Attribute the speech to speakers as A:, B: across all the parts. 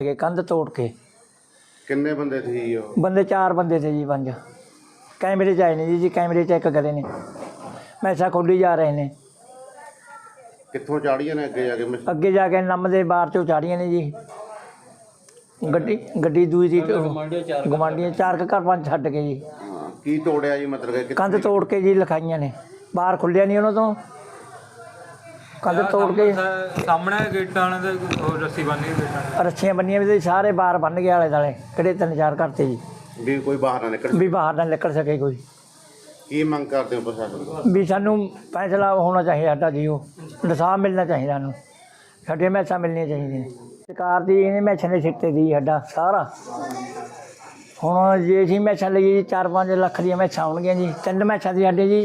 A: कंध तोड़ के।
B: किन्ने बंदे थे जी?
A: बंदे 4 बंदे थे जी। 5 कैमरे च आए ने जी। कैमरे चेक करे ने, मैसा खोली जा रहे ने।
B: कित्थों चाड़ियां ने
A: अगे जाके नम दे बार चो चाड़ियां ने जी। गड्डी दूई दी गवांढियां 4 घर 5 छड्ड के जी।
B: की तोड़िया जी? मतलब
A: कंध तोड़ के जी लिखाइयां ने, बाहर खुलिया नहीं उन्होंने तो कंध तोड़ के
C: सामने गेटां ने रस्सी बन्नी
A: रस्सियां बन्नियां भी सारे बाहर बन गए आले दुआले किहड़े 3-4 घर थे जी
B: भी कोई बाहर ना निकल
A: भी बाहर ना निकल सके कोई।
B: की मंग करते हो प्रशासन
A: भी सानू फैसला होना चाहिए साडा जी, वो इंसाफ मिलना चाहिए सानू, साडियां मैसां मिलनियां चाहिए। सरकार दी इहने मैसां दे सिर ते दी साडा सारा। हुण जे असीं मैसां लईए जी 4-5 ਲੱਖ ਦੀਆਂ मैसां आउणगीਆਂ जी। 3 मैसां दी साडे जी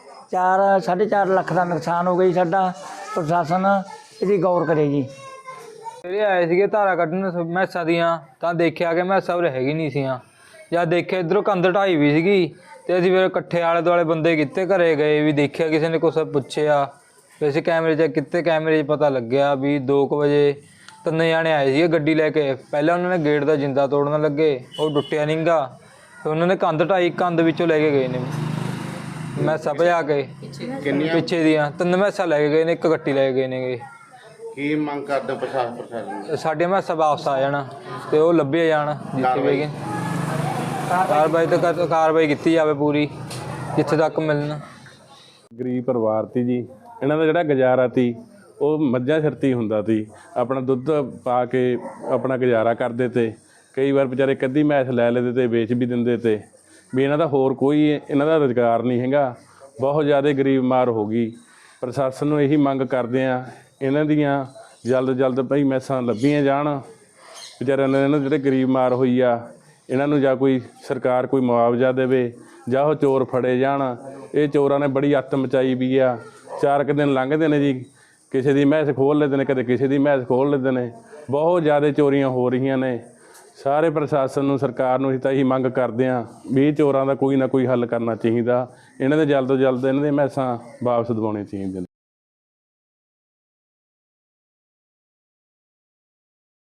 A: 4-4.5 ਲੱਖ ਦਾ ਨੁਕਸਾਨ ਹੋ ਗਿਆ ਜੀ ਸਾਡਾ। ਪ੍ਰਸ਼ਾਸਨ ਇਹਦੀ ਗੌਰ ਕਰੇ ਜੀ।
C: ਜਿਹੜੇ ਆਏ ਸੀਗੇ ਧਾਰਾ ਕੱਢਣ ਮੈਸਾਂ ਦੀਆਂ ਤਾਂ ਦੇਖਿਆ ਕਿ ਮੈਸਾਂ ਉਰੇ ਹੈਗੀ ਨਹੀਂ ਸੀਆਂ। ਜਦ ਦੇਖਿਆ ਇੱਧਰੋਂ ਕੰਧ ਢਾਈ ਵੀ ਸੀਗੀ ਅਤੇ ਅਸੀਂ ਫਿਰ ਇਕੱਠੇ ਆਲੇ ਦੁਆਲੇ ਬੰਦੇ ਕੀਤੇ, ਘਰੇ ਗਏ ਵੀ ਦੇਖਿਆ, ਕਿਸੇ ਨੇ ਕੁਛ ਪੁੱਛਿਆ। ਵੈਸੇ ਕੈਮਰੇ ਚੈੱਕ ਕੀਤੇ, ਕੈਮਰੇ 'ਚ ਪਤਾ ਲੱਗਿਆ ਵੀ 2 ਵਜੇ 3 ਜਾਣੇ ਆਏ ਸੀਗੇ ਗੱਡੀ ਲੈ ਕੇ। ਪਹਿਲਾਂ ਉਹਨਾਂ ਨੇ ਗੇਟ ਦਾ ਜਿੰਦਾ ਤੋੜਨ ਲੱਗੇ, ਉਹ ਟੁੱਟਿਆ ਨਹੀਂ ਗਾ। ਫਿਰ ਉਹਨਾਂ ਨੇ ਕੰਧ ਢਾਈ, ਕੰਧ ਵਿੱਚੋਂ ਲੈ ਕੇ ਗਏ ਨੇ ਮੈਸਾਂ ਭਜਾ ਕੇ। ਪਿੱਛੇ ਦੀਆਂ 3 ਮੈਸਾਂ ਲੈ ਕੇ ਗਏ ਨੇ, 1 ਗੱਟੀ ਲੈ ਕੇ ਗਏ ਨੇਗੇ।
B: ਕੀ ਮੰਗ ਕਰਦੇ ਪ੍ਰਸ਼ਾਸਨ?
C: ਸਾਡੀਆਂ ਮੈਸਾਂ ਵਾਪਸ ਆ ਜਾਣ ਅਤੇ ਉਹ ਲੱਭੇ ਜਾਣ ਜਿੱਥੇ ਵੀ ਗਏ। ਕਾਰਵਾਈ ਤਾਂ ਕਾਰਵਾਈ ਕੀਤੀ ਜਾਵੇ ਪੂਰੀ, ਜਿੱਥੇ ਤੱਕ ਮਿਲਣ।
D: ਗਰੀਬ ਪਰਿਵਾਰ ਤੀ ਜੀ, ਇਹਨਾਂ ਦਾ ਜਿਹੜਾ ਗੁਜ਼ਾਰਾ ਤੀ ਉਹ ਮੱਝਾਂ ਸਿਰ 'ਤੇ ਹੀ ਹੁੰਦਾ ਸੀ। ਆਪਣਾ ਦੁੱਧ ਪਾ ਕੇ ਆਪਣਾ ਗੁਜ਼ਾਰਾ ਕਰਦੇ ਤੇ ਕਈ ਵਾਰ ਵਿਚਾਰੇ ਇੱਕ ਅੱਧੀ ਮੈਸ ਲੈ ਲੈਂਦੇ ਤੇ ਵੇਚ ਵੀ ਦਿੰਦੇ ਤੇ ਵੀ ਇਹਨਾਂ ਦਾ ਹੋਰ ਕੋਈ ਇਹਨਾਂ ਦਾ ਰੁਜ਼ਗਾਰ ਨਹੀਂ ਹੈਗਾ। ਬਹੁਤ ਜ਼ਿਆਦਾ ਗਰੀਬ ਮਾਰ ਹੋ ਗਈ। ਪ੍ਰਸ਼ਾਸਨ ਨੂੰ ਇਹੀ ਮੰਗ ਕਰਦੇ ਆ, ਇਹਨਾਂ ਦੀਆਂ ਜਲਦ ਭਾਈ ਮੈਸਾਂ ਲੱਭੀਆਂ ਜਾਣ। ਵਿਚਾਰਿਆਂ ਨੇ ਇਹਨਾਂ ਜਿਹੜੇ ਗਰੀਬ ਮਾਰ ਹੋਈ ਆ, ਇਹਨਾਂ ਨੂੰ ਜਾਂ ਕੋਈ ਸਰਕਾਰ ਕੋਈ ਮੁਆਵਜ਼ਾ ਦੇਵੇ ਜਾਂ ਉਹ ਚੋਰ ਫੜੇ ਜਾਣ। ਇਹ ਚੋਰਾਂ ਨੇ ਬੜੀ ਅੱਤ ਮਚਾਈ ਵੀ ਆ। 4 ਕੁ ਦਿਨ ਲੰਘਦੇ ਨੇ ਜੀ, ਕਿਸੇ ਦੀ ਮੈਸ ਖੋਲ੍ਹ ਲੈਂਦੇ ਨੇ, ਕਦੇ ਕਿਸੇ ਦੀ ਮੈਸ ਖੋਲ੍ਹ ਲੈਂਦੇ ਨੇ। ਬਹੁਤ ਜ਼ਿਆਦਾ ਚੋਰੀਆਂ ਹੋ ਰਹੀਆਂ ਨੇ। ਸਾਰੇ ਪ੍ਰਸ਼ਾਸਨ ਨੂੰ, ਸਰਕਾਰ ਨੂੰ ਅਸੀਂ ਤਾਂ ਇਹੀ ਮੰਗ ਕਰਦੇ ਹਾਂ ਵੀ ਇਹ ਚੋਰਾਂ ਦਾ ਕੋਈ ਨਾ ਕੋਈ ਹੱਲ ਕਰਨਾ ਚਾਹੀਦਾ। ਇਹਨਾਂ ਦੇ ਜਲਦ ਤੋਂ ਜਲਦ ਇਹਨਾਂ ਦੀਆਂ ਮੈਸਾਂ ਵਾਪਸ ਦਿਵਾਉਣੀਆਂ ਚਾਹੀਦੀਆਂ ਨੇ।